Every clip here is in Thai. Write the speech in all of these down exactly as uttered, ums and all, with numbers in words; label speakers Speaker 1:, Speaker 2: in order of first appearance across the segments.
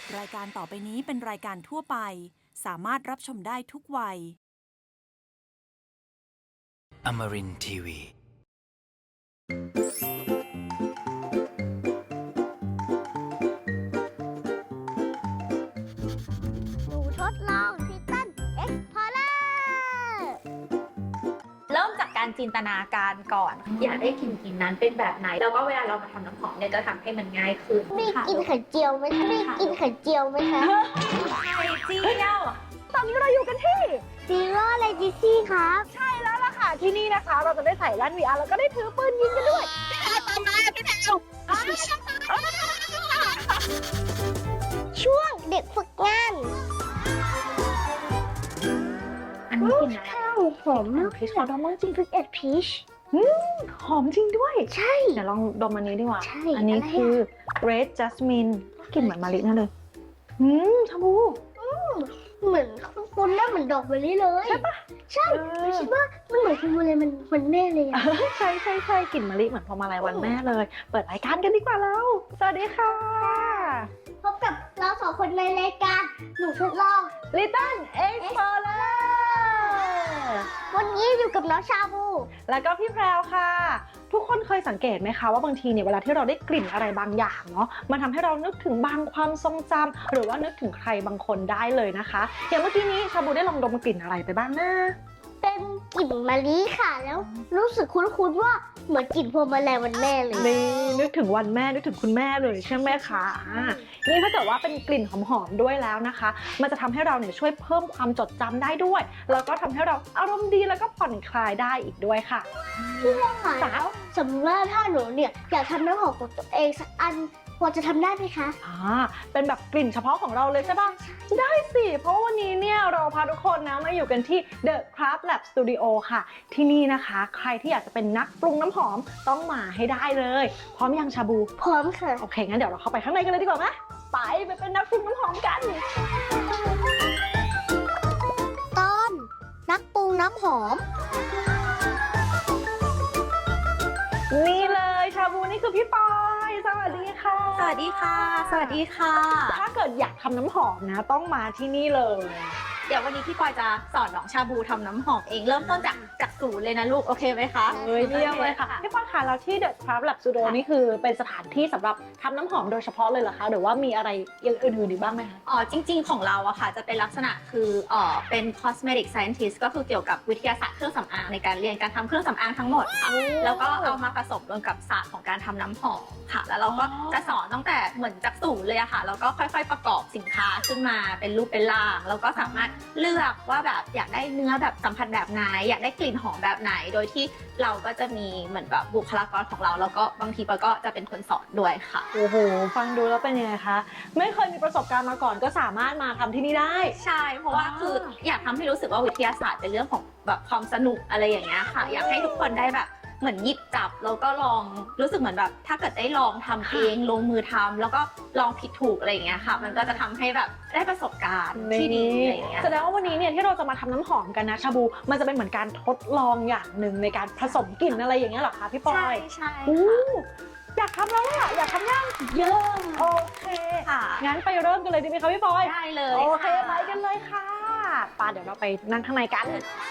Speaker 1: รายการต่อไปนี้เป็นรายการทั่วไปสามารถรับชมได้ทุกวัย
Speaker 2: Amarin ที วี
Speaker 3: หนูทดลองทิตันเอ็กพอร์เลอร์
Speaker 4: เริ่มจากการจินตนาการก่อน อยากได้กลิ่นกลิ่นนั้นเป็นแบบไหน แล้วก็เวลาเรามาทำน้ำหอมเนี่ยจะทำให้มันง่ายขึ้น
Speaker 3: มีกินไข่เจียวไหมคะมีกินไข่เจียวไหมคะ
Speaker 4: ไข่เจียว
Speaker 5: ตอนนี้เราอยู่กันที่
Speaker 3: ซีโร่เลจิซี่ครับ
Speaker 5: ใช่แล้วล่ะค่ะที่นี่นะคะ เราจะได้ใส่แว่น วี อาร์ แล้วก็ได้ถือปืนยิงกันด้วย
Speaker 3: ช่วงเด็กฝึกงาน
Speaker 4: อันนี้กลิ่นอะไร
Speaker 3: ข้าวหอมมาก
Speaker 5: พีชของดอมจริง
Speaker 3: ฟิกเอ็ดพีช
Speaker 5: หอมจริงด้วย
Speaker 3: ใช่
Speaker 5: เดี๋ยวลองดมอันนี้ดีกว่า
Speaker 3: ใช่
Speaker 5: อันนี้
Speaker 3: อะไรอะ
Speaker 5: คือ Red Jasmine กลิ่นเหมือนมะลินั่นเลยอืมชาบู
Speaker 3: เหมือนคุ้นๆแล้วเหมือนดอกเบอร์รี่เลยใช่ปะใช่
Speaker 5: เออ
Speaker 3: คิดว่ามันเหมือนคุณเลยมันมันแม่เลยอะ
Speaker 5: ใช่ใช่ใช่กลิ่นมะลิเหมือนพวงมาลัยวันแม่เลย เปิดรายการกันดีกว่าแล้วสวัสดีค่ะ
Speaker 3: พบกับเราสองคนในรายการหนูทดลอง
Speaker 5: Little Explorer
Speaker 3: วันนี้อยู่กับน้องชาบู
Speaker 5: แล้วก็พี่แพรวค่ะ ทุกคนเคยสังเกตไหมคะว่าบางทีเนี่ยเวลาที่เราได้กลิ่นอะไรบางอย่างเนาะมันทำให้เรานึกถึงบางความทรงจำหรือว่านึกถึงใครบางคนได้เลยนะคะอย่างเมื่อกี้นี้ชาบูได้ลองดมกลิ่นอะไรไปบ้างนะ
Speaker 3: เป็นกลิ่นมะลิค่ะแล้วรู้สึกคุ้นๆว่าเหมือนกลิ่นพวงมาลัยวันแม่เลย
Speaker 5: นี่นึกถึงวันแม่นึกถึงคุณแม่เลยใช่ไหมคะอ่านี่ถ้าเกิดว่าเป็นกลิ่นหอมๆด้วยแล้วนะคะ มันจะทำให้เราเนี่ยช่วยเพิ่มความจดจำได้ด้วย แล้วก็ทำให้เราอารมณ์ดีแล้วก็ผ่อนคลายได้อีกด้วยค่ะ
Speaker 3: ค่ะแล้วสมมติว่าถ้าหนูเนี่ยอยากทำน้ำหอมของตัวเองสักอันพอจะทำได้ไหมคะ
Speaker 5: อ่าเป็นแบบกลิ่นเฉพาะของเราเลยใช่ปะได้สิเพราะวันนี้เนี่ยเราพาทุกคนนะมาอยู่กันที่ The Craft Lab Studio ค่ะ ที่นี่นะคะใครที่อยากจะเป็นนักปรุงน้ำหอมต้องมาให้ได้เลยพร้อมยังชาบู
Speaker 3: พร้อมค่ะ
Speaker 5: โอเคงั้นเดี๋ยวเราเข้าไปข้างในกันเลยดีกว่าไหมไปไปเป็นนักปรุงน้ำหอมกัน
Speaker 3: ตอนนักปรุงน้ำหอม
Speaker 5: นี่เลยชาบูนี่คือพี่ปอยสวัสดีค่ะ
Speaker 4: สวัสดีค่ะ สวัสดีค่ะ
Speaker 5: ถ้าเกิดอยากทำน้ำหอมนะต้องมาที่นี่เลย
Speaker 4: เดี๋ยววันนี้พี่ปอยจะสอนน้องชาบูทำน้ำหอมเองเริ่มต้นจากจากศูนย์เลยนะลูกโอเคไหมคะ
Speaker 5: เฮ้ยเยี่ยมเลยค่ะพี่ปอยค่ะแล้วที่ The Craft Lab Studio นี่คือเป็นสถานที่สำหรับทำน้ำหอมโดยเฉพาะเลยเหรอคะหรือว่ามีอะไรอย่างอื่นๆอีกบ้างไหมคะ
Speaker 4: อ๋อจริงๆของเราอะค่ะจะเป็นลักษณะคือเอ่อเป็น cosmetic scientist ก็คือเกี่ยวกับวิทยาศาสตร์เครื่องสำอางในการเรียนการทำเครื่องสำอางทั้งหมดค่ะแล้วก็เอามาผสมรวมกับศาสตร์ของการทำน้ำหอมค่ะ แล้วเราก็
Speaker 5: อ๋อ
Speaker 4: จะสอนตั้งแต่เหมือนจากศูนย์เลยอะค่ะแล้วก็ค่อยๆประกอบสินค้าขึ้นมาเป็นรูปเป็นร่างแล้วก็สามารถเลือกว่าแบบอยากได้เนื้อแบบสัมผัสแบบไหนอยากได้กลิ่นหอมแบบไหน โดยที่เราก็จะมีเหมือนแบบบุคลากรของเราแล้วก็บางทีปอยก็จะเป็นคนสอนด้วยค่ะ
Speaker 5: โอ้โหฟังดูแล้วเป็นยังไงคะไม่เคยมีประสบการณ์มาก่อนก็สามารถมาทำที่นี่ได้
Speaker 4: ใช่ เพราะว่า
Speaker 5: อ่า
Speaker 4: คืออยากทำให้รู้สึกว่าวิทยาศาสตร์เป็นเรื่องของแบบความสนุกอะไรอย่างเงี้ยค่ะ อยากให้ทุกคนได้แบบเหมือนหยิบจับแล้วก็ลองรู้สึกเหมือนแบบถ้าเกิดได้ลองทำเองลงมือทำแล้วก็ลองผิดถูกอะไรอย่างเงี้ยค่ะ มันก็จะทำให้แบบได้ประสบการณ์ที่ดีอะไรอย่างเงี้ย
Speaker 5: แสดงว่าวันนี้เนี่ยที่เราจะมาทำน้ำหอมกันนะชาบูมันจะเป็นเหมือนการทดลองอย่างหนึ่งในการผสมกลิ่นอะไรอย่างเงี้ยเหรอคะพี่ปอ
Speaker 4: ใช่
Speaker 5: ย
Speaker 4: ใช่
Speaker 5: อู้อยากทำแล้วอะอยากทำยัง
Speaker 4: เยอะ
Speaker 5: โอเค
Speaker 4: ค่ะ
Speaker 5: งั้นไปเริ่มกันเลยดีไหมคะพี่ปอย
Speaker 4: ได้เลย
Speaker 5: โอเค
Speaker 4: ค่ะ
Speaker 5: ไปกันเลยค่ะป่าเดี๋ยวเราไปนั่งข้างในกัน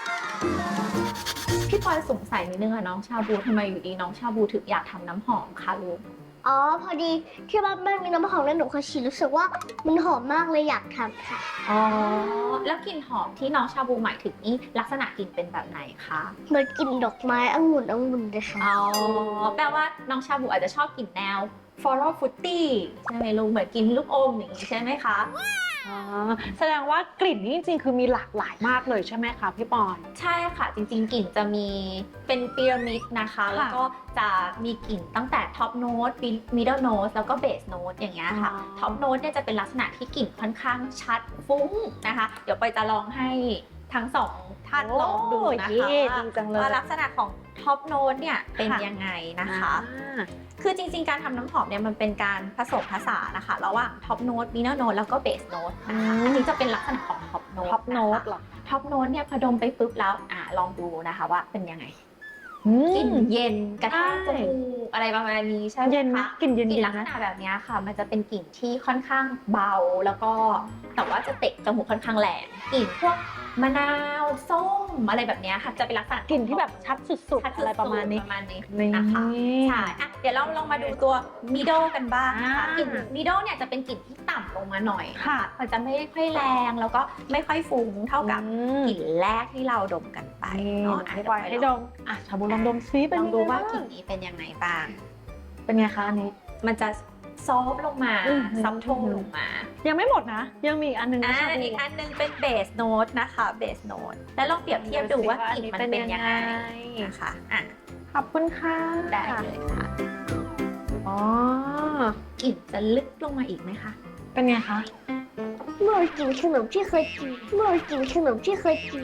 Speaker 4: พี่ปอยสงสัยนิดนึงอะน้องชาบูทำไมอยู่ดีน้องชาบูถึงอยากทำน้ำหอมคะลูก
Speaker 3: อ๋อพอดีที่บ้านมันมีน้ำหอมแล้วหนูเคยฉีดรู้สึกว่ามันหอมมากเลยอยากทำค่ะ
Speaker 4: อ๋อแล้วกลิ่นหอมที่น้องชาบูหมายถึงนี่ลักษณะกลิ่นเป็นแบบไหนคะ
Speaker 3: เหมือนกลิ่นดอกไม้องุ่นองุ่นเลยค่ะ
Speaker 4: อ๋อแปลว่าน้องชาบูอาจจะชอบกลิ่นแนว floral fruity ใช่ไหมลูกเหมือนกินลูกอมอย่างนี้ใช่ไหมคะ
Speaker 5: อ๋อแสดงว่ากลิ่นนี้จริงๆคือมีหลากหลายมากเลยใช่ไหมคะพี่ปอย
Speaker 4: ใช่ค่ะจริงๆกลิ่นจะมีเป็นพีระมิดนะคะ แล้วก็จะมีกลิ่นตั้งแต่ท็อปโน้ตมิดเดิลโน้ตแล้วก็เบสโน้ตอย่างเงี้ยค่ะ
Speaker 5: อ๋อ
Speaker 4: ท็อปโน้ตเนี่ยจะเป็นลักษณะที่กลิ่นค่อนข้างชัดฟุ้งนะคะ เดี๋ยวไปจะลองให้ทั้งสองท่านลองดูนะ
Speaker 5: โอ้
Speaker 4: คะ
Speaker 5: เย่
Speaker 4: ว่า
Speaker 5: ดีจังเลย
Speaker 4: ว่าลักษณะของท็อปโน้ตเนี่ยเป็น
Speaker 5: ค่ะ
Speaker 4: ยังไงนะคะ
Speaker 5: อ่า
Speaker 4: คือจริงๆ การทำน้ำหอมเนี่ยมันเป็นการผสมผสานนะคะระหว่างท็อปโน้ตมิดเดิลโน้ตแล้วก็เบสโน้ตนะคะ
Speaker 5: อืม
Speaker 4: อันนี้จะเป็นลักษณะของท็อปโน้ต
Speaker 5: ท็อปโน้ตเหรอ
Speaker 4: ท็อปโน้ตเนี่ยพอดมไปปุ๊บแล้วอ่าลองดูนะคะว่าเป็นยังไง
Speaker 5: อื
Speaker 4: กลิ่น
Speaker 5: ม
Speaker 4: เย็นกระแทกจ
Speaker 5: ใช่
Speaker 4: มูกอะไรประมาณนี้ใช่ไหม
Speaker 5: เย็นไหม
Speaker 4: คะ
Speaker 5: กลิ่นเย็นๆ
Speaker 4: กลิ่นลักษ
Speaker 5: นะ
Speaker 4: ณะแบบนี้ค่ะ มันจะเป็นกลิ่นที่ค่อนข้างเบาแล้วก็แต่ว่าจะเตะจมูกค่อนข้างแรงกลิ่นพวกมะนาวส้มอะไรแบบนี้ค่ะจะเป็นลักษณะ
Speaker 5: กลิ่นที่แบบชัดสุด
Speaker 4: ชัด
Speaker 5: ๆอะไรประมาณนี้
Speaker 4: ประมาณนี้
Speaker 5: นี่
Speaker 4: นะคะใช่อ่ะเดี๋ยวเราลองมาดูตัวมิโดกันบ้างนะคะ
Speaker 5: อ่าก
Speaker 4: ลิ่นมิโดเนี่ยจะเป็นกลิ่นที่ต่ำลงมาหน่อย
Speaker 5: ค่ะ
Speaker 4: มันจะไม่ค่อยแรงแล้วก็ไม่ค่อยฟุ้งเท่ากับ
Speaker 5: อืม
Speaker 4: กลิ่นแรกที่เราดมกันไป
Speaker 5: นี่
Speaker 4: เนาะ
Speaker 5: ให้ปล่อยให้ดมอ่ะชาบูลองดมซิเป็น
Speaker 4: ลองดู
Speaker 5: ยังไง
Speaker 4: ว่า
Speaker 5: บ้าง
Speaker 4: กลิ่นนี้เป็นยังไงบ้าง
Speaker 5: เป็นไงคะอันนี้
Speaker 4: มันจะซอฟต์ลงมา
Speaker 5: อืม
Speaker 4: ซับโทนลงมา
Speaker 5: ยังไม่หมดนะ ยังมีอีกอันหนึง
Speaker 4: อ่า
Speaker 5: นะชาบู
Speaker 4: อีกอันหนึงเป็นเบสโน้ตนะคะเบสโน้ตแล้วลองเปรียบเทียบดูว่ากลิ่นมันเป็นยังไงนะคะอ่ะ
Speaker 5: ขอบคุณค่ะ
Speaker 4: ได้เลยค่ะ
Speaker 5: อ๋อก
Speaker 4: ลิ่นจะลึกลงมาอีกไหมคะ
Speaker 5: เป็นไงคะ
Speaker 3: เมื่อกินขนมที่เคยกิน เมื่อกินขนมที่เคยกิน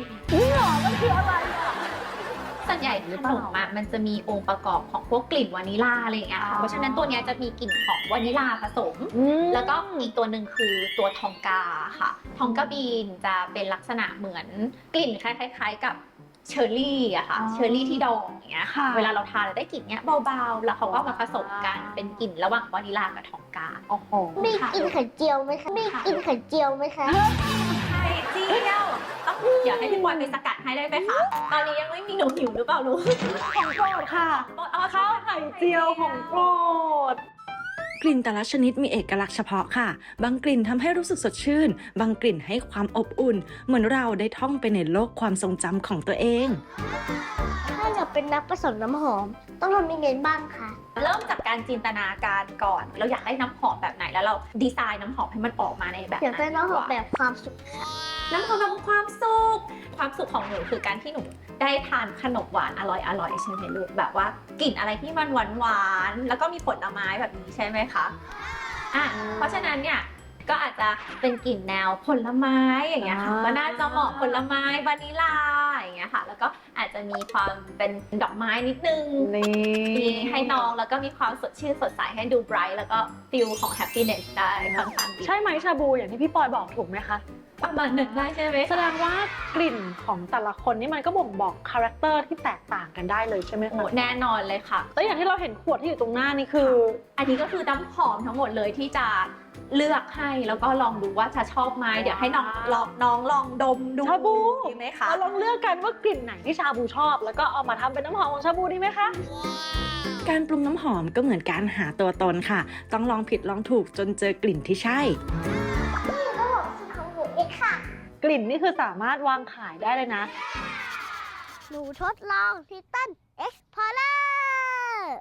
Speaker 4: ส่วนใหญ่ขนมอะมันจะมีองค์ประกอบของพวกกลิ่นวานิลาอะไรอย่างเงี้ยค่ะเพราะฉะนั้นตัวเนี้ยจะมีกลิ่นของวานิลาผสม
Speaker 5: อืม
Speaker 4: แล้วก็อีกตัวหนึ่งคือตัวทองกาค่ะ ทองกาบีนจะเป็นลักษณะเหมือนกลิ่นคล้ายๆกับเชอร์รี่อะค่ะ
Speaker 5: อ๋อ
Speaker 4: เชอร์รี่ที่ดองอย่างเงี้ย
Speaker 5: ค่ะ
Speaker 4: เวลาเราทานเราได้กลิ่นเนี้ยเบาๆ แล้วเขาก็มาผสมกันเป็นกลิ่นระหว่างวานิลากับทองกา
Speaker 5: โอ้โห
Speaker 3: มีกินไข่เจียวไหมคะ มีกินไข่เจียวไหมคะ
Speaker 4: ไข่เจียวต้องอยากให้พี่บอยไปสกัดให้ได้ไหมคะ ตอนนี้ยังไม่มีหนูหิวหรือเปล่าลูก
Speaker 5: ของโปรดค่ะ
Speaker 4: เอา
Speaker 5: ข้าวไข่เจียวของโปรด
Speaker 6: กลิ่นแต่ละชนิดมีเอกลักษณ์เฉพาะค่ะ บางกลิ่นทำให้รู้สึกสดชื่น บางกลิ่นให้ความอบอุ่น เหมือนเราได้ท่องไปในโลกความทรงจำของตัวเอง
Speaker 3: ถ้าเราเป็นนักผสมน้ำหอม ต้องทำยังไงบ้างคะ
Speaker 4: เริ่มจากการจินตนาการก่อน เราอยากได้น้ำหอมแบบไหนแล้วเราดีไซน์น้ำหอมให้มันออกมาในแบบ
Speaker 3: อยากได้น้ำหอม
Speaker 4: ดีกว่า
Speaker 3: แบบความสุข
Speaker 4: น้ำหอมแบบความสุข ความสุขของหนูคือการที่หนูได้ทานขนมหวานอร่อยอร่อยใช่ไหมลูกแบบว่ากลิ่นอะไรที่มันหวานหวานๆแล้วก็มีผลไม้แบบนี้ใช่ไหมคะอ่ะเพราะฉะนั้นเนี่ยก็อาจจะเป็นกลิ่นแนวผลไม้อย่างเงี้ยค่ะ
Speaker 5: อ่า
Speaker 4: ก็น่าจะเหมาะผลไม้วานิลาอย่างเงี้ยค่ะ แล้วก็อาจจะมีความเป็นดอกไม้นิดนึง
Speaker 5: นี่
Speaker 4: มีให้น้องแล้วก็มีความสดชื่นสดใสให้ดูไบรท์แล้วก็ฟิลของแฮปปี้เนสได้ค่อนข้างดี
Speaker 5: ใช่ไหมชาบูอย่างที่พี่ปอยบอกถูกไหมคะ
Speaker 4: ประมาณหนึ่งได้ใช่ไหม
Speaker 5: แสดงว่ากลิ่นของแต่ละคนนี่มันก็บ่งบอกคาแรคเตอร์ที่แตกต่างกันได้เลยใช่ไหม
Speaker 4: โอ้
Speaker 5: คะ
Speaker 4: แน่นอนเลยค่ะ
Speaker 5: แล้วอย่างที่เราเห็นขวดที่อยู่ตรงหน้านี่คือ
Speaker 4: อันนี้ก็คือน้ำหอมทั้งหมดเลยที่จะเลือกให้แล้วก็ลองดูว่าจะชอบไหมเดี๋ยวให้น้องลองน้องลองดมดู
Speaker 5: ชาบู
Speaker 4: ดีไหมคะ
Speaker 5: เราลองเลือกกันว่ากลิ่นไหนที่ชาบูชอบ แล้วก็เอามาทำเป็นน้ำหอมของชาบูดีไหมคะ
Speaker 6: การปรุงน้ำหอมก็เหมือนการหาตัวตนค่ะ ต้องลองผิดลองถูกจนเจอกลิ่นที่ใช่
Speaker 3: นี่ก็บอกสุดของหนูเองค่ะ
Speaker 5: กลิ่นนี่คือสามารถวางขายได้เลยนะ
Speaker 3: หนูทดลองทิตันเอ็กซ์พอร์เลอร์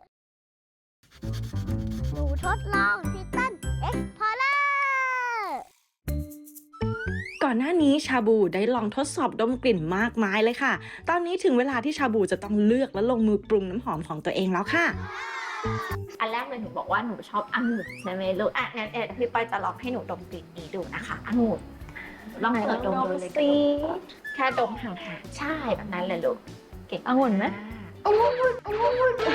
Speaker 3: หนูทดลองทิตันเอ็กซ์พอร์เลอร์
Speaker 6: ก่อนหน้านี้ชาบูได้ลองทดสอบดมกลิ่นมากมายเลยค่ะ ตอนนี้ถึงเวลาที่ชาบูจะต้องเลือกและลงมือปรุงน้ำหอมของตัวเองแล้วค่ะ
Speaker 4: อันแรกเลยหนูบอกว่าหนูชอบองุ่นใช่ไหมลูกอ่ะงั้นเอ็ดพี่ปอยจะลองให้หนูดมกลิ่นนี้ดูนะคะองุ่นลองเปิดดมดูเลย
Speaker 5: สิ
Speaker 4: แค่ดมห่างๆใช่แบบนั้นเลยลูกเก่ง
Speaker 5: องุ่นไหม
Speaker 3: โอ้โหโอ้โห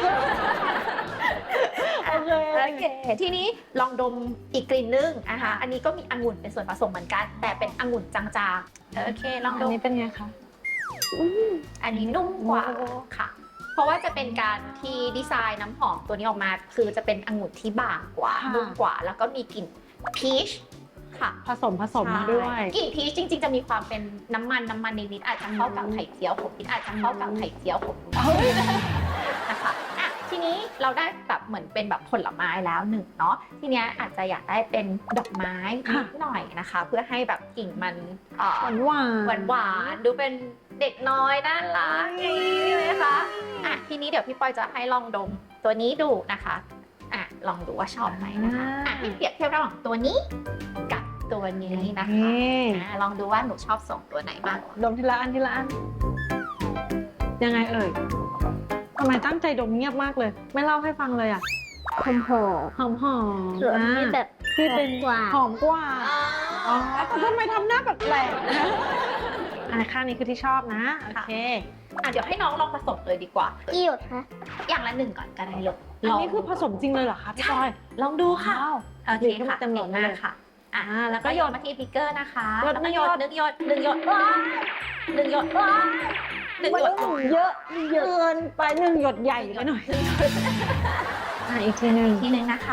Speaker 4: โอเคโอเค ทีนี้ลองดมอีกกลิ่นนึงนะคะอันนี้ก็มีองุ่นเป็นส่วนผสมเหมือนกัน แต่เป็นองุ่นจางๆโอเคลอง
Speaker 5: อั
Speaker 4: ด
Speaker 5: น
Speaker 4: ม
Speaker 5: นี้เป็นไงคะ
Speaker 4: อันนี้นุ่มกว่า
Speaker 5: โอ้
Speaker 4: ค่ะ เพราะว่าจะเป็นการที่ดีไซน์น้ำหอมตัวนี้ออกมา คือจะเป็นองุ่นที่บางกว่า
Speaker 5: ค่ะ
Speaker 4: นุ่มกว่า แล้วก็มีกลิ่นพีชค่ะ
Speaker 5: ผสมผสมมาด้วย
Speaker 4: ใช่กลิ่นพีชจริง ๆ จะมีความเป็นน้ำมันน้ำมันนิดๆอาจจะเข้ากับไข่เจียวผมนิดอาจจะเข้ากับไข่เจียวผมนะคะอ่ะทีนี้เราได้แบบเหมือนเป็นแบบผลไม้แล้วหนึ่งเนาะทีเนี้ยอาจจะอยากได้เป็นดอกไม้นิดหน่อยนะคะ เพื่อให้แบบกลิ่นมันเอ่อ
Speaker 5: หวานหวาน
Speaker 4: หวานหวานๆดูเป็นเด็กน้อยน่ารักอย่างนี้ใช่ไหมคะอ่ะทีนี้เดี๋ยวพี่ปอยจะให้ลองดมตัวนี้ดูนะคะอ่ะลองดูว่าชอบไหมนะคะอ่ะให้เปรียบเทียบระหว่างตัวนี้กับตัวนี้นะคะ
Speaker 5: นี่
Speaker 4: อ่ะลองดูว่าหนูชอบส่งตัวไหนมากกว่า
Speaker 5: ดมทีละอันทีละอัน ยังไงเอ่ยทำไมตั้งใจดมเงียบมากเลย ไม่เล่าให้ฟังเลยอ่ะ
Speaker 3: หอมหอม
Speaker 5: หอมหอม
Speaker 3: ส่วนที่แบบ
Speaker 5: ที่เป็น
Speaker 3: กว่า
Speaker 5: หอมกว่า
Speaker 4: อ๋
Speaker 5: อ๋
Speaker 4: อ
Speaker 5: อทำไมทำหน้าแปลกๆนะอันข้างนี้คือที่ชอบนะ โอเค
Speaker 4: อ่ะเดี๋ยวให้น้องลองผสมเลยดีกว่า
Speaker 3: กี่หยดคะ
Speaker 4: อย่างละหนึ่งก่อนก็ได้ลูก
Speaker 5: อัน
Speaker 4: ลง
Speaker 5: นี้คือผสมจริงเลยเหรอคะพี่
Speaker 4: ใช่
Speaker 5: จอย
Speaker 4: ลองดูค่ะ
Speaker 5: ว้าว
Speaker 4: โอเคค่ะ
Speaker 5: เต็มหลอด
Speaker 4: เก่ง
Speaker 5: เล
Speaker 4: มาก
Speaker 5: ย
Speaker 4: ค่ะอ่ะ
Speaker 5: อ่าแล้
Speaker 4: แล้ว ว
Speaker 5: ก็
Speaker 4: ก็
Speaker 5: ห
Speaker 4: โย
Speaker 5: ย
Speaker 4: น
Speaker 5: ด
Speaker 4: มาที่บิ๊กเกอร์นะคะ
Speaker 5: หยด
Speaker 4: แล้วก็โยน
Speaker 5: ห
Speaker 4: ห
Speaker 5: นึ่
Speaker 4: นึ่
Speaker 5: ง
Speaker 4: ง
Speaker 5: ห
Speaker 4: ห
Speaker 5: ย
Speaker 4: ย
Speaker 5: ด
Speaker 4: ดหนึ่งหยดหนึ่งหยดหนึ่งหยดหนึ่ง
Speaker 5: มัน
Speaker 4: หยด
Speaker 5: เยอะเยอะเกินไปหนึ่งหยดใหญ่ไปหน่อยอ่ะอีกทีหนึ่ง
Speaker 4: ทีนึงนะคะ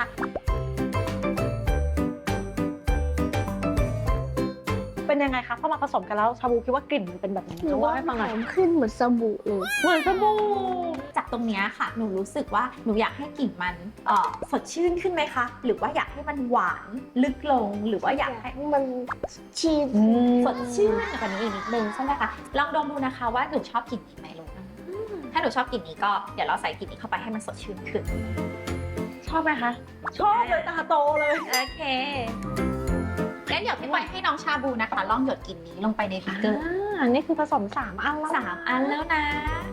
Speaker 5: เป็นยังไงคะพอมาผสมกันแล้วชาบูคิดว่ากลิ่นมันเป็นแบบไหน
Speaker 3: หนู
Speaker 5: คะ
Speaker 3: ว่า
Speaker 5: ว่าให้ฟังห
Speaker 3: ห
Speaker 5: น่อ
Speaker 3: อย มขึ้นเหมือนสบู่เลย
Speaker 5: เหมือนสบู่
Speaker 4: จากตรงเนี้ยค่ะ หนูรู้สึกว่าหนูอยากให้กลิ่นมันเอ่อสดชื่นขึ้นไหมคะ หรือว่าอยากให้มันหวานลึกลง หรือว่าอยากให้
Speaker 3: มันชีส
Speaker 4: สดชื่นกว่านี้อีกนิดนึงใช่ไหมคะ ลองดมดูนะคะว่าหนูชอบกลิ่นนี้ไหมลูกถ้าหนูชอบกลิ่นนี้ก็เดี๋ยวเราใส่กลิ่นนี้เข้าไปให้มันสดชื่นขึ้น
Speaker 5: ชอบไหมคะ ชอบเลยตาโตเลย
Speaker 4: โอเคงั้นเดี๋ยวพี่ปอยให้น้องชาบูนะคะ ลองหยดกลิ่นนี้ลงไปในบิ๊กเกอร์
Speaker 5: อ่านี่คือผสมสามอันแล้ว
Speaker 4: สามอันแล้วนะ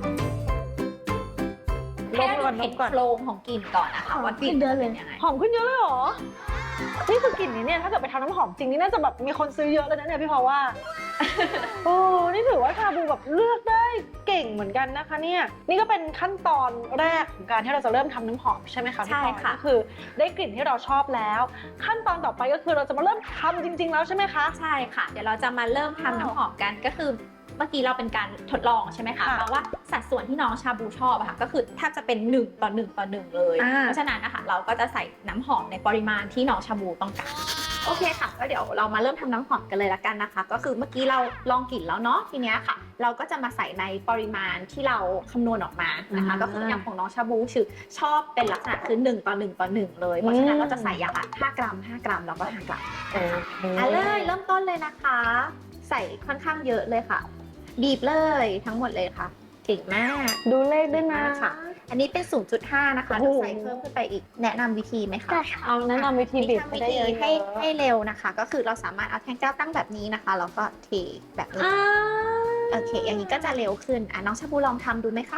Speaker 5: ล
Speaker 4: ให้
Speaker 5: ง
Speaker 4: เรา
Speaker 5: ก่อนล
Speaker 4: เห็น
Speaker 5: งก่อน
Speaker 4: โครงของกลิ่นก่อนนะคะว่ากลิ่นมันเป็นยังไง
Speaker 5: หอมขึ้นเยอะเลยเหรอ นี่คือกลิ่นนี้เนี่ยถ้าเกิดไปทำน้ำหอมจริงนี่น่าจะแบบมีคนซื้อเยอะเลยนะเนี่ยพี่พอว่า โอ้นี่ถือว่าชาบูแบบเลือกได้เก่งเหมือนกันนะคะเนี่ยนี่ก็เป็นขั้นตอนแรกของการที่เราจะเริ่มทำน้ำหอมใช่ไหมคะพี่พลอย
Speaker 4: ใช่ค่ะ
Speaker 5: ก็คือได้กลิ่นที่เราชอบแล้ว ขั้นตอนต่อไปก็คือเราจะมาเริ่มทำจริง ๆ แล้วใช่ไหมคะ
Speaker 4: ใช่ค่ะ เดี๋ยวเราจะมาเริ่มทำน้ำหอมกันก็คือเมื่อกี้เราเป็นการทดลองใช่ไหมคะ
Speaker 5: ค่ะ
Speaker 4: เพราะว่าสัดส่วนที่น้องชาบูชอบอะค่ะก็คือแทบจะเป็นหนึ่งต่อหนึ่งต่อหนึ่งเลย
Speaker 5: อ่า
Speaker 4: เพราะฉะนั้นนะคะเราก็จะใส่น้ำหอมในปริมาณที่น้องชาบูต้องการโอเคค่ะก็เดี๋ยวเรามาเริ่มทำน้ำหอมกันเลยละกันนะคะ ก็คือเมื่อกี้เราลองกลิ่นแล้วเนาะทีเนี้ยค่ะ เราก็จะมาใส่ในปริมาณที่เราคำนวณออกมานะคะ
Speaker 5: อ่า
Speaker 4: ก็คืออย่างของน้องชาบูคือชอบเป็นลักษณะคือหนึ่งต่อหนึ่งต่อหนึ่งเลยเพราะฉะนั้นเราจะใส่อย่างละห้ากรัมห้ากรัมแล้วก็ห้ากรัม
Speaker 5: โอเค
Speaker 4: อ่ะเลยเริ่มต้นเลยนะคะ ใส่ค่อนข้างเยอะเลยค่ะ บีบเลยทั้งหมดเลยค่ะเก่งมาก
Speaker 5: ดูเลขด้วยนะ
Speaker 4: ค่ะ อันนี้เป็น ศูนย์จุดห้า นะคะ
Speaker 5: โอ้
Speaker 4: จะ
Speaker 5: โห
Speaker 4: ใส่เพิ่มขึ้นไปอีกแนะนำวิธีไหมคะ
Speaker 3: ได้ค่ะ
Speaker 5: เอาแนะนำวิธีบีบ
Speaker 4: ทำ
Speaker 5: ให้
Speaker 4: วิ
Speaker 5: ได้
Speaker 4: ธี
Speaker 5: เยอะ
Speaker 4: ให้
Speaker 5: ๆ
Speaker 4: ให้เร็วนะคะ ก็คือเราสามารถเอาแท่งแก้วตั้งแบบนี้นะคะแล้วก็เทแบบนี้
Speaker 5: อ่า
Speaker 4: โอเค อย่างนี้ก็จะเร็วขึ้นอ่ะน้องชาบูลองทำดูไหมคะ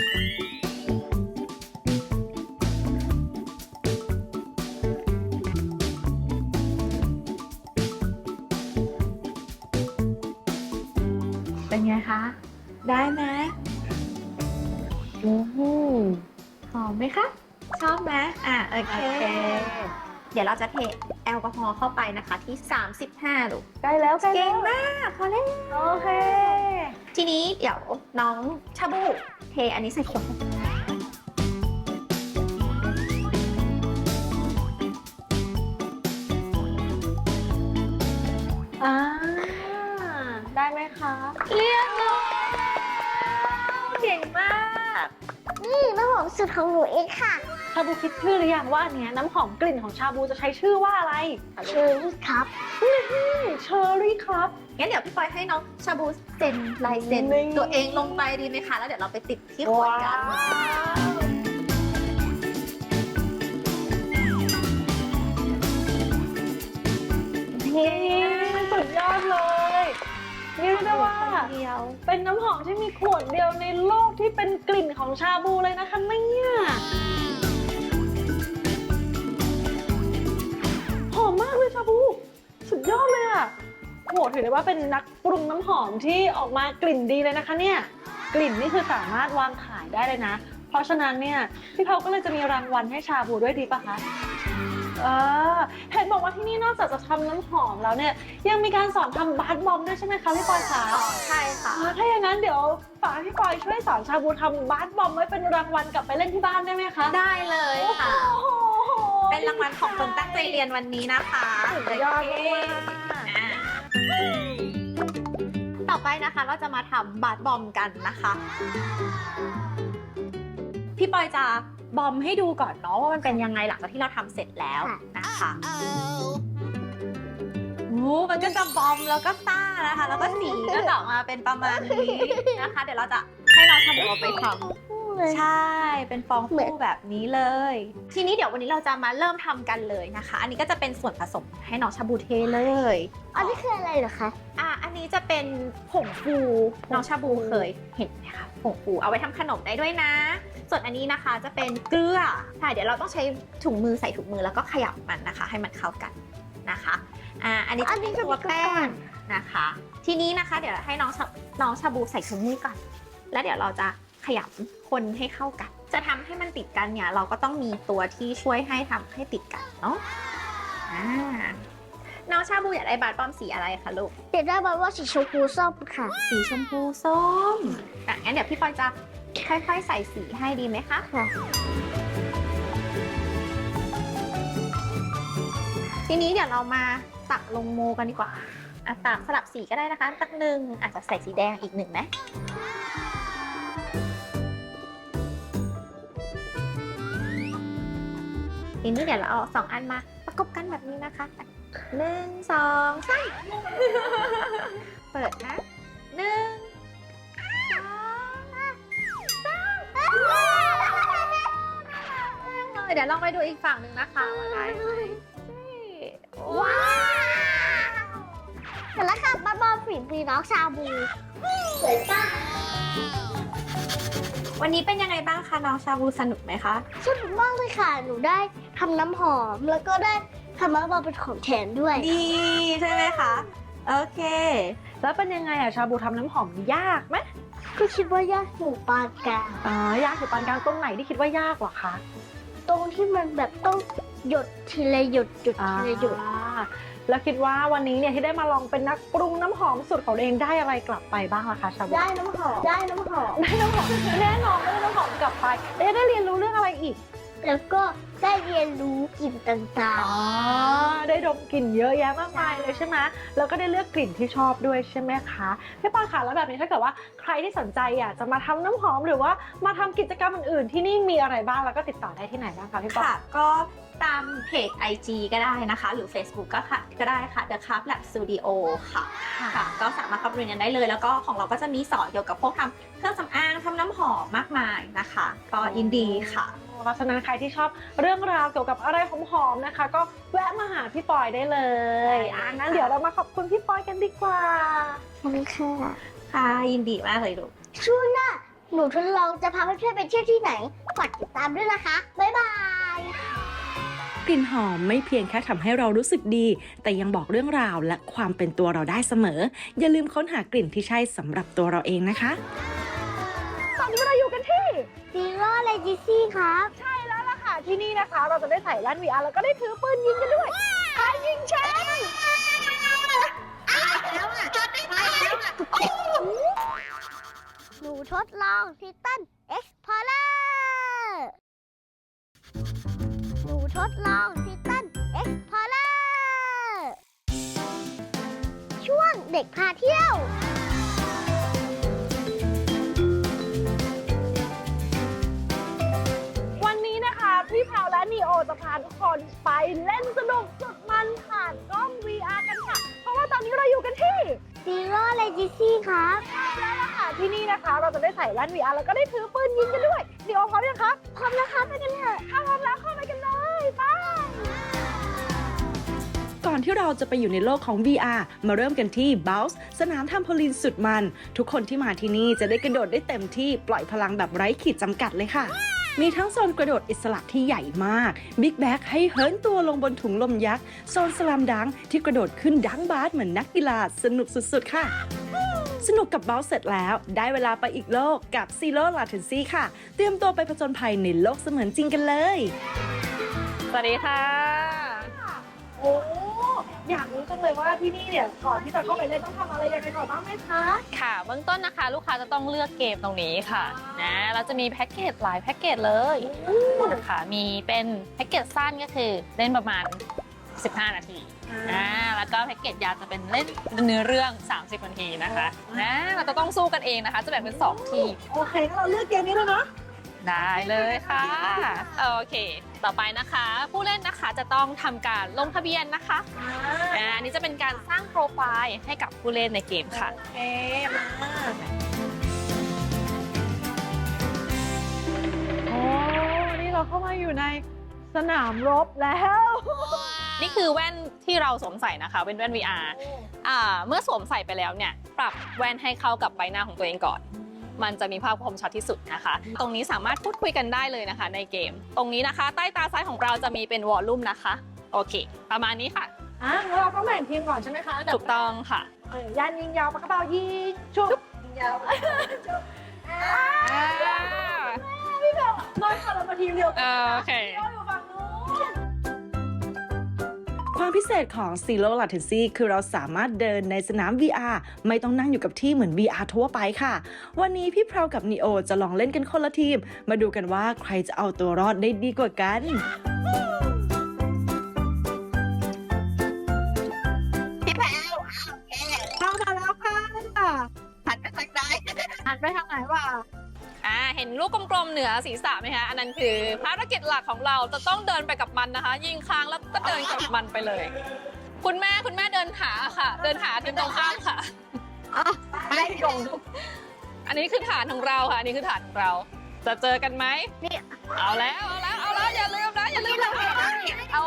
Speaker 4: เป็นไงคะ ได้ไหม
Speaker 5: อืม
Speaker 4: หอมไหมคะ ชอบไหมอ่ะโอเค
Speaker 5: โอเค
Speaker 4: เดี๋ยวเราจะเทแอลกอฮอล์เข้าไปนะคะที่ สามสิบห้าลูก
Speaker 5: ใกล้แล้วใกล้
Speaker 4: เก่
Speaker 5: แล้
Speaker 4: ง
Speaker 5: ว
Speaker 4: มากพอแล้ว
Speaker 5: โอเค
Speaker 4: ทีนี้เดี๋ยวน้องชาบูเทอันนี้ใส่ขวด
Speaker 5: อ่า ได้ไหมคะ
Speaker 4: เรียบร้อยเก่งมาก
Speaker 3: นี่น้ำหอมสุดของหนูเองค่ะ
Speaker 5: ชาบูคิดชื่อหรือยังว่าอันเนี้ยน้ำหอมกลิ่นของชาบูจะใช้ชื่อว่าอะไร
Speaker 3: เชอร์รี่ครับ
Speaker 5: เชอร์รี่ครับ
Speaker 4: งั้นเดี๋ยวพี่ปอยให้น้องชาบูเซ็นลายเซ็น
Speaker 5: นี่
Speaker 4: ตัวเองลงไปดีไหมคะ แล้วเดี๋ยวเราไปติดที่ขวดกัน
Speaker 5: นี่สุดยอดเลยนี่เรียกได้ว่า
Speaker 4: เดียว
Speaker 5: เป็นน้ำหอมที่มีขวดเดียวในโลกที่เป็นกลิ่นของชาบูเลยนะคะเนี่ยหอมมากเลยชาบู สุดยอดเลยอะโหถือได้ว่าเป็นนักปรุงน้ำหอมที่ออกมากลิ่นดีเลยนะคะเนี่ยกลิ่นนี่คือสามารถวางขายได้เลยนะ เพราะฉะนั้นเนี่ยพี่เขาก็เลยจะมีรางวัลให้ชาบูด้วยดีปะคะเออเห็นบอกว่าที่นี่นอกจากจะทำน้ำหอมแล้วเนี่ยยังมีการสอนทำบาร์บอมด้วยใช่ไหมคะพี่ปอยคะ
Speaker 4: อ๋อใช่ค่ะ
Speaker 5: อ่าถ้าอย่างนั้นเดี๋ยวฝากพี่ปอยช่วยสอนชาบูทำบาร์บอมไว้เป็นรางวัลกลับไปเล่นที่บ้านได้ไหมคะ
Speaker 4: ได้เลยค่ะ
Speaker 5: โอ้โห
Speaker 4: เป็นรางวัลของคนตั้งใจเรียนวันนี้นะคะ
Speaker 5: สุดยอด
Speaker 4: โเค
Speaker 5: มาก
Speaker 4: อ่าต่อไปนะคะเราจะมาทำบาร์บอมกันนะคะ พี่ปอยจะบอมให้ดูก่อนเนาะว่ามันเป็นยังไงหลังจากที่เราทำเสร็จแล้วนะคะโอ้มันก็จะบอมแล้วก็ซ่านะคะ แล้วก็สีก็จะออกมาเป็นประมาณนี้นะคะ เดี๋ยวเราจะให้น้องชาบูเอาไปทำ ใช่ เป็นฟองฟูแบบนี้เลย ทีนี้เดี๋ยววันนี้เราจะมาเริ่มทำกันเลยนะคะ อันนี้ก็จะเป็นส่วนผสมให้น้องชาบูเทเลย
Speaker 3: อันนี้คืออะไรเหรอคะ
Speaker 4: อ่ะ อันนี้จะเป็นผงฟู น้องชาบูเคยเห็นไหมคะ ผงฟูเอาไว้ทำขนมได้ด้วยนะ ส่วนอันนี้นะคะจะเป็นเกลือใช่เดี๋ยวเราต้องใช้ถุงมือใส่ถุงมือแล้วก็ขยับมันนะคะ ให้มันเข้ากันนะคะ อ่า อันนี้จะเป็นตัวแป้งนะคะ ทีนี้นะคะ เดี๋ยวให้น้องชาน้องชาบูใส่ถุงมือก่อน แล้วเดี๋ยวเราจะขยำคนให้เข้ากัน จะทำให้มันติดกันเนี่ยเราก็ต้องมีตัวที่ช่วยให้ทำให้ติดกันเนาะ อ่า น้องชาบูอยากได้บาร์บอมสีอะไรคะลูก
Speaker 3: เดี๋ยวได้มาว่าสีชมพูส้มค่ะ
Speaker 4: สีชมพูส้มอ่ะงั้นเดี๋ยวพี่ปอยจะค่อยๆใส่สีให้ดีไหมคะ
Speaker 3: ค่ะ
Speaker 4: ทีนี้เดี๋ยวเรามาตักลงโมกันดีกว่าอ่ะตักสลับสีก็ได้นะคะ ตักหนึ่งอาจจะใส่สีแดงอีกหนึ่งไหมทีนี้เดี๋ยวเราเอาสองอันมาประกบกันแบบนี้นะคะหนึ่งสองสามเปิดนะหนึ่งสองสามเดี๋ยวลองไปดูอีกฝั่งหนึ่งนะคะว่าได้ไหมว้าว
Speaker 3: เสร็จแล้วค่ะมาบอลฝีมือน้องชาบูสวยป่ะ
Speaker 4: วันนี้เป็นยังไงบ้างคะน้องชาบูสนุกไหมคะ
Speaker 3: สนุกมากเลยค่ะ หนูได้ทำน้ำหอม แล้วก็ได้ทำมาบอลเป็นของแถมด้วย
Speaker 4: ดีใช่ไหมคะ โอเค
Speaker 5: แล้วเป็นยังไงอะชาบูทำน้ำหอมยากไหม
Speaker 3: ก็คิดว่ายากหนูปานกลาง
Speaker 5: อ๋อยากอยู่ปานกลางตรงไหนที่คิดว่ายากเหรอคะ
Speaker 3: ตรงที่มันแบบต้องหยดทีละหยดหยดทีละหยด
Speaker 5: อ่าแล้วคิดว่าวันนี้เนี่ยที่ได้มาลองเป็นนักปรุงน้ำหอมสูตรของตัวเองได้อะไรกลับไปบ้างล่ะคะชาบู
Speaker 3: ได้น้ำหอม ได้น้ำหอม
Speaker 5: ได้น้ำหอมแน่นอนได้น้ำหอมกลับไปแล้วได้เรียนรู้เรื่องอะไรอีก
Speaker 3: แล้วก็ได้เรียนรู้กลิ่นต่าง
Speaker 5: อ๋อได้ดมกลิ่นเยอะแยะมากมายเลยใช่ไหมแล้วก็ได้เลือกกลิ่นที่ชอบด้วยใช่ไหมคะพี่ปอยค่ะแล้วแบบนี้ถ้าเกิดว่าใครที่สนใจอยากจะมาทำน้ำหอมหรือว่ามาทำกิจกรรมอื่นๆที่นี่มีอะไรบ้างแล้วก็ติดต่อได้ที่ไหนบ้างคะพี่ปอย
Speaker 4: ค่ะ ก็ตามเพจ ไอ จี ก็ได้นะคะ หรือ Facebook ก็ค่ะก็ได้ค่ะ The Craft Lab Studio ค่ะ ค่ะ ก็สามารถเข้าไปเรียนกันได้เลย แล้วก็ของเราก็จะมีสอนเกี่ยวกับพวกทำเครื่องสำอางทำน้ำหอมมากมายนะคะ ก็ยินดีค่ะ
Speaker 5: เพราะฉะนั้นใครที่ชอบเรื่องราวเกี่ยวกับอะไรหอมๆนะคะ ก็แวะมาหาพี่ปอยได้เลยอ่ะงั้นเดี๋ยวเรามาขอบคุณพี่ปอยกันดีกว่า
Speaker 3: ๆขอบคุณค่ะ
Speaker 4: ค่ะ ยินดีมากเลยลูก
Speaker 3: ช่วงหน้าหนูทดลองจะพาเพื่อนๆไปเที่ยวที่ไหนฝากติดตามด้วยนะคะ บ๊ายบาย
Speaker 6: กลิ่นหอมไม่เพียงแค่ทำให้เรารู้สึกดี แต่ยังบอกเรื่องราวและความเป็นตัวเราได้เสมอ อย่าลืมค้นหากลิ่นที่ใช่สำหรับตัวเราเองนะคะ
Speaker 5: ตอนนี้เราอยู่กันที่
Speaker 3: ซีโร่เลจิซี่ครับ
Speaker 5: ใช่แล้วล่ะค่ะที่นี่นะคะ เราจะได้ใส่แว่น วี อาร์ แล้วก็ได้ถือปืนยิงกันด้วยใครยิงฉัน
Speaker 3: หนูทดลองทิตันเอ็กซ์พอร์เลอร์หนูทดลองทิตันเอ็กซ์พอร์เลอร์ช่วงเด็กพาเที่ยว
Speaker 5: วันนี้นะคะพี่แพรวและนีโอจะพาทุกคนไปเล่นสนุกสุดมันผ่านกล้อง วี อาร์ กันค่ะ เพราะว่าตอนนี้เราอยู่กันที่
Speaker 3: ซีโร่เลจิซี่ครับ
Speaker 5: แล้วล่ะค่ะที่นี่นะคะ เราจะได้ใส่แว่น วี อาร์ แล้วก็ได้ถือปืนยิงกันด้วยนีโอพร้อมยังคะ
Speaker 3: พร้อมแล้วครับไปกันเถอะ
Speaker 5: ถ้าพร้อมแล้วเข้าไปกันเลยไป
Speaker 6: ก่อนที่เราจะไปอยู่ในโลกของ วี อาร์ มาเริ่มกันที่ Bounce สนามทำโพลีนสุดมัน ทุกคนที่มาที่นี่จะได้กระโดดได้เต็มที่ปล่อยพลังแบบไร้ขีดจำกัดเลยค่ะ มีทั้งโซนกระโดดอิสระที่ใหญ่มาก Big Bag ให้เหินตัวลงบนถุงลมยักษ์ โซนสลามดังที่กระโดดขึ้นดังบาสเหมือนนักกีฬาสนุกสุดๆค่ะ สนุกกับ Bounce เสร็จแล้วได้เวลาไปอีกโลกกับ Zero Latency ค่ะ เตรียมตัวไปผจญภัยในโลกเสมือนจริงกันเลย
Speaker 5: สวัสดีค่ะโอ้อยากรู้จังเลยว่าที่นี่เนี่ยก่อนที่จะเข้าไปเล่นต้องทำอะไรยังไงก่อนบ้างไหมคะ
Speaker 7: ค่ะเบื้องต้นนะคะลูกค้าจะต้องเลือกเกมตรงนี้ค่ะนะเราจะมีแพ็กเกจหลายแพ็กเกจเลยนะคะมีเป็นแพ็กเกจสั้นก็คือเล่นประมาณสิบห้านาทีอ่าแล้วก็แพ็กเกจยาวจะเป็นเล่นเนื้อเรื่องสามสิบนาทีนะคะนะเราจะต้องสู้กันเองนะคะ จะแบ่งเป็นสองทีม
Speaker 5: โอเคงั้นเราเลือกเกมนี้เลยนะ
Speaker 7: ได้เลยค่ะโอเค ต่อไปนะคะ ผู้เล่นนะคะจะต้องทำการลงทะเบียนนะคะอ่าอันนี้จะเป็นการสร้างโปรไฟล์ให้กับผู้เล่นในเกมค่ะ
Speaker 5: โอเคมาโอ้นี่เราเข้ามาอยู่ในสนามรบแล้ว
Speaker 7: นี่คือแว่นที่เราสวมใส่นะคะเป็นแว่น วี อาร์ อ่าเมื่อสวมใส่ไปแล้วเนี่ยปรับแว่นให้เข้ากับใบหน้าของตัวเองก่อน มันจะมีภาพคมชัดที่สุดนะคะ ตรงนี้สามารถพูดคุยกันได้เลยนะคะในเกม ตรงนี้นะคะ ใต้ตาซ้ายของเราจะมีเป็นวอลลุ่มนะคะโอเค ประมาณนี้ค่ะ
Speaker 5: อ่ะงั้นเราต้องแบ่งทีมก่อนใช่ไหมคะ
Speaker 7: ถูกต้องค่ะ
Speaker 5: เออยันยิงยาวปากกระเป๋ายิงชุบยิงยาวชุบอ่าพี่แบบน้อยค่ะเรามาทีมเดียวกัน
Speaker 7: โอเค
Speaker 5: เราอยู่ฝั่งนู้น
Speaker 6: ความพิเศษของ Zero Latency คือเราสามารถเดินในสนาม วี อาร์ ไม่ต้องนั่งอยู่กับที่เหมือน วี อาร์ ทั่วไปค่ะ วันนี้พี่เพรากับ Neo จะลองเล่นกันคนละทีม มาดูกันว่าใครจะเอาตัวรอดได้ดีกว่ากัน
Speaker 5: เข้ามาแล้วค่ะ
Speaker 4: หันไปทางใด
Speaker 5: หันไปทางไหนวะ
Speaker 7: อ่าเห็นลูกกลมๆเหนือศีรษะไหมคะ อันนั้นคือภารกิจหลักของเราจะต้องเดินไปกับมันนะคะ ยิงค้างแล้วก็เดินกับมันไปเลย คุณแม่คุณแม่เดินหาค่ะ เดินหาทีมตรงข้ามค่ะ
Speaker 5: ไม่ลง
Speaker 7: อันนี้คือฐานของเราค่ะอันนี้คือฐานของเรา จะเจอกันไหมนี่เอาแล้วเอาแล้วเอาแล้วอย่าลืมนะอย่าลืมนะเอา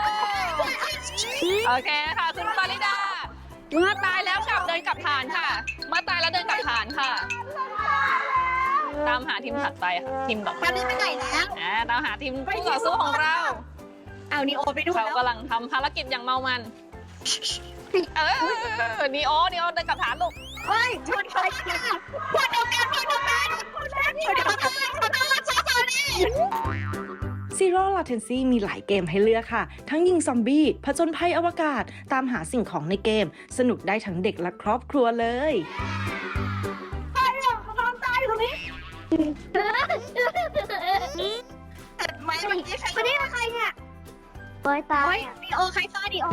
Speaker 7: โอเคค่ะคุณปาริดาเมื่อตายแล้วกลับเดินกลับฐานค่ะ เมื่อตายแล้วเดินกลับฐานค่ะ ตามหาทีมถัดไปค่ะทีมต่อไป
Speaker 4: ตอนนี้ไปไหนแล้ว
Speaker 7: อ่าตามหาทีมผู้ต่อสู้ของเรา
Speaker 4: เอานีโอไปด้วย
Speaker 7: เขา
Speaker 4: แล้ว
Speaker 7: กำลังทำภารกิจอย่างเมามันเออนีโอนีโอเดินกลับฐานลูก
Speaker 4: เฮ้ยชวนใครกันชวนเดียวกันชวนเดียวกันชวนเดียวกันชวนเดียวกันชวนเดียวกันนี่
Speaker 6: Zero Latency มีหลายเกมให้เลือกค่ะ ทั้งยิงซอมบี้ผจญภัยอวกาศ ตามหาสิ่งของในเกม สนุกได้ทั้งเด็กและครอบครัวเลย
Speaker 4: ไม่เมื่อกี้ใคร
Speaker 3: วันนี้ใครเนี่ยโอ้ยตาย
Speaker 4: เฮ้ยนีโอใครฆ่านีโอ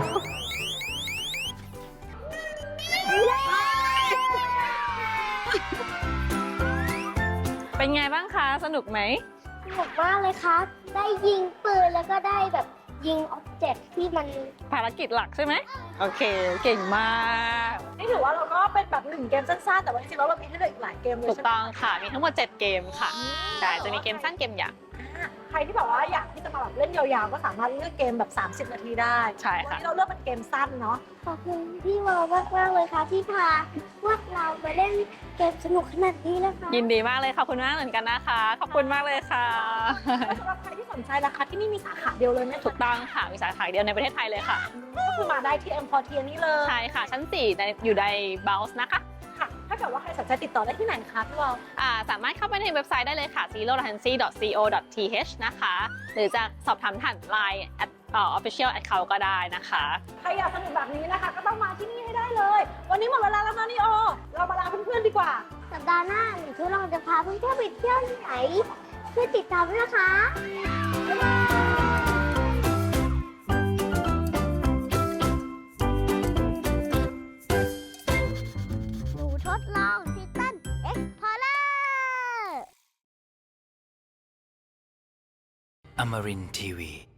Speaker 7: เป็นไงบ้างคะสนุกไหม
Speaker 3: สนุกมากเลยครับ ได้ยิงปืนแล้วก็ได้แบบยิงอ็อบเจกต์ที่มัน
Speaker 7: ภารกิจหลักใช่ไหมโอเค เก่งมาก
Speaker 5: นี่ถือว่าเราก็เป็นแบบหนึ่งเกมสั้นๆแต่ว่าจริงๆแล้วเรามีให้เลือกอีกหลายเกมเลย
Speaker 7: ถูก
Speaker 5: ใช่ไหม
Speaker 7: ต้องค่ะ มีทั้งหมดเจ็ดเกมค่ะใช่จะมีเกมสั้นเกมยาว
Speaker 5: อ่ะใครที่แบบว่าอยากที่จะมาแบบเล่นยาวๆก็สามารถเลือกเกมแบบสามสิบนาทีได้
Speaker 7: ใช่
Speaker 5: วัน
Speaker 7: ค่ะ
Speaker 5: นี้เราเลือกเป็นเกมสั้นเนาะ
Speaker 3: ขอบคุณพี่วอลมากมากๆเลยค่ะที่พาพวกเรามาเล่นเกมสนุกขนาดนี้นะคะ
Speaker 7: ยินดีมากเลยขอบคุณมากเหมือนกันนะคะ ขอบคุณมากเลยค่ะ
Speaker 5: สำหรับใครที่สนใจนะคะที่นี่มีสาขาเดียวเลยไหม
Speaker 7: ถูกต้องค่ะมีสาขาเดียวในประเทศไทยเลยค่ะ
Speaker 5: ก็คือมาได้ที่ เอ็ม พอร์ต นี่เลย
Speaker 7: ใช่ค่ะ ชั้นสี่ในอยู่ใน Bounce นะคะ
Speaker 5: ค่ะ ถ้าเกิดว่าใครสนใจติดต่อได้ที่ไหนคะพี่วอล
Speaker 7: อ่าสามารถเข้าไปในเว็บไซต์ได้เลยค่ะ zero latency dot co dot th นะคะ หรือจะสอบถามผ่าน ไลน์ at เอ่อ official account ก็ได้นะคะ
Speaker 5: ใครอยากสนุกแบบนี้นะคะ ก็ต้องมาที่นี่ให้ได้เลย วันนี้หมดเวลาแล้วนะนี่โอ เรามาลาเพื่อนๆดีกว่า
Speaker 3: สัปดาห์หน้าหนูทุกเราจะพาเพื่อนๆไปเที่ยวที่ไหนช่วยติดตามด้วยนะคะบ๊ายบายหนูทดลองทิตันเอ็กพอร์เลอร์
Speaker 2: Amarin Tiwi.